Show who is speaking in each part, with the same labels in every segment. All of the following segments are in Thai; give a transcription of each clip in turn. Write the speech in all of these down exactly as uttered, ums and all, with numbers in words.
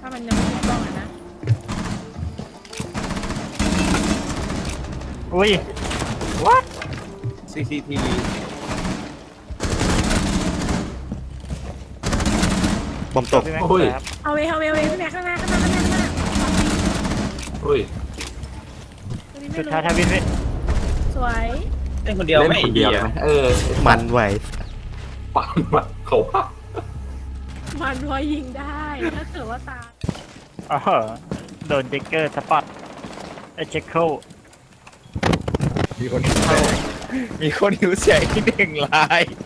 Speaker 1: ถ้ามันยังไม่ถูกต้องอะนะ
Speaker 2: อุ้ย what
Speaker 3: ซี ซี ที วี
Speaker 4: บอมตก
Speaker 2: พี่แม็ก
Speaker 3: โอ้ย
Speaker 2: ครับ
Speaker 1: เอาเวเอาเวเอาเวพี่แม็กข้างหน้าข้างหน้าข้างหน้าข้างหน้า
Speaker 3: เฮ้ย
Speaker 1: ตัวนี้ไม่
Speaker 2: สุด
Speaker 1: รู้
Speaker 2: ท้ายทวินพี่
Speaker 1: สวย
Speaker 3: เล่นคนเดียว
Speaker 5: เล่น
Speaker 3: ไม่
Speaker 5: คนเดียว
Speaker 3: ไอ้
Speaker 5: ไหม
Speaker 3: หี้
Speaker 5: เออ
Speaker 4: มันไหว
Speaker 3: ปังมันเขาพัก
Speaker 1: มันพอยิงได้ถ้าเกิดว่าตาย
Speaker 2: อ๋อโดนเจคเกอร์สปอตไอเจคเกิล
Speaker 6: มีคนหิวแสงมีคนหิวแสงที่หนึ่งลาย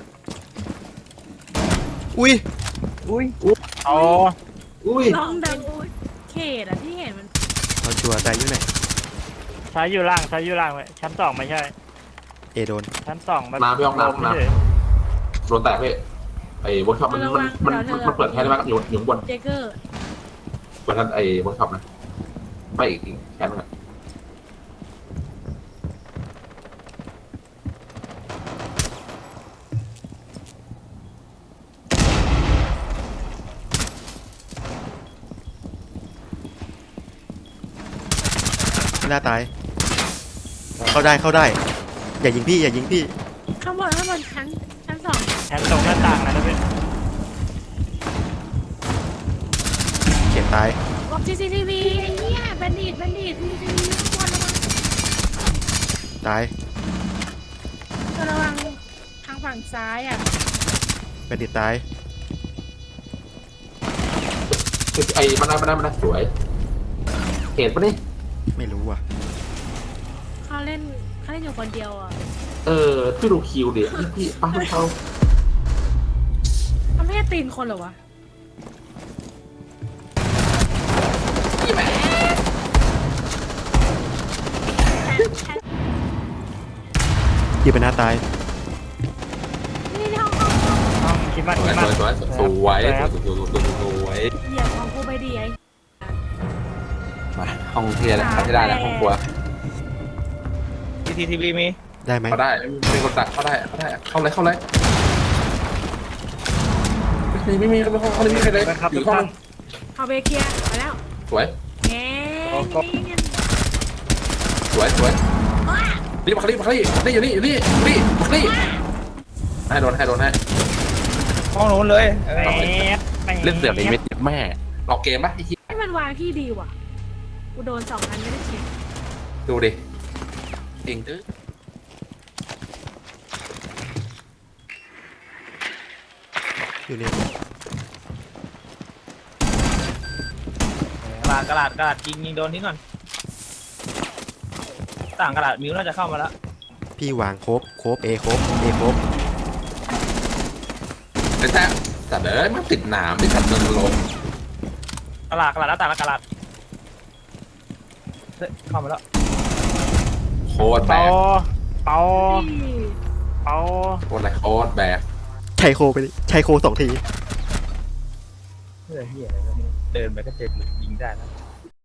Speaker 4: อุ้ย
Speaker 6: อุ้ย
Speaker 2: เอา
Speaker 3: อุ้ย
Speaker 1: ลองดังอุ้ยเขตอะที่เห็นมัน
Speaker 4: เอาชัวร์ตายอยู่ไหน
Speaker 2: ซ้ายอยู่ล่างซ้ายอยู่ล่างเลยชั้นสองไม่ใช่
Speaker 4: เอโดน
Speaker 2: ชั้นสองมัน
Speaker 3: น้ำพี่ห้องน้ำห้องน้
Speaker 2: ไม่ใช่
Speaker 3: ำโดนแตกพี่ไอ้เวิร์กช็อปมันมันมันมันมันเปิดแค่ได้ไหมอยู่อยู่ข้างบน
Speaker 1: เจเกอร์
Speaker 3: เปิดทันไอ้เวิร์กช็อปนะไม่อีกอีกแค่นั้นแหละ
Speaker 4: หน้าตาย เข้าได้เข้าได้ อย่ายิงพี่อย่ายิงพี่
Speaker 1: ข้างบนข้างบนชั้นชั้นสอง
Speaker 2: ชั้นตรงหน้าต่างนะพี่
Speaker 4: เขียนตาย
Speaker 1: บอกซีซีทีวีไอ้เหี้ยแบนดิตแบนดิตซีซีทีวีข้างบนระวัง
Speaker 4: ตาย
Speaker 1: ระวังทางฝั่งซ้ายอ่ะ
Speaker 4: แบนดิตตาย
Speaker 3: ไอ้มันได้มันได้มันได้สวยเห็นปะนี่
Speaker 4: ไม่รู้ว่ะ
Speaker 1: เขาเล่นเขาเล่นอยู่คนเดียวอ่ะ
Speaker 3: เออพี่ดูคิวดิพี่พี่ป้าเขา
Speaker 1: เขาไม่ใช่ตีนคนเหรอวะ
Speaker 4: ยิงไปหน้าตาย
Speaker 1: นี่ในห้องห้องห้อง
Speaker 2: ห้องคิดมา
Speaker 3: ส
Speaker 2: คิ
Speaker 3: ว
Speaker 2: ด
Speaker 3: ย
Speaker 2: มา
Speaker 3: สวยสวยสวยสวยสวยสวยสวย
Speaker 1: เหยียบของกูไปดีไอ้
Speaker 5: มาห้องที่ได้ที่ได้แล้วห้องครัว
Speaker 6: ซีทีทีวีมี
Speaker 4: ได้ไหม
Speaker 3: เขาได้เป็นคนตัดเขาได้เขาได้เข้าเลยเข้าเลยไม่มีไม่มีไม่มีเขาไม่มีใครเลยอยู่ห้อง
Speaker 1: เอาเบเกียร์ไปแล้ว
Speaker 3: สวย
Speaker 1: แง่นี่เงี้ย
Speaker 3: สวยสวยนี่มาคลี่มาคลี่นี่อยู่นี่อยู่นี่นี่มาคลี่ให้โดนให้โดนให้
Speaker 6: ห้องนู้นเลยเอ
Speaker 2: แหม
Speaker 6: อ
Speaker 2: แหม
Speaker 5: เล่นเสือกในเม็ดแม่
Speaker 3: หลอกเกมปะไอ้ที่
Speaker 1: ให้มันวางที่ดีว่ะกูโดนสองอันไม่ได้เช็ค
Speaker 3: ดูดิเก่งตื้อก
Speaker 4: อยู่นี่
Speaker 6: กระดาษกระดาษกระดาษยิงยิงโดนทิ้งก่อนต่างกระดาษมิวน่าจะเข้ามาแล้ว
Speaker 4: พี่วางโคบโคบเอโคบเอโคบ
Speaker 3: แต่แต่แต่เด้อมันติดหนามติดขัดเดินลง
Speaker 6: กระดาษกระดาษแล้วต่างกระดาษเฮ้ยเข้ามาแล้ว
Speaker 3: โคตรแบ
Speaker 2: เปาก เปา
Speaker 1: นี่
Speaker 2: เปา
Speaker 3: โคตรอะไรโคตรแบก
Speaker 4: ใช้โคไปดิใช้โคสองที
Speaker 6: เฮ้ยเฮียอะไรวะเนี่ยเดินไปก็เจ็บเลยยิงได้นะ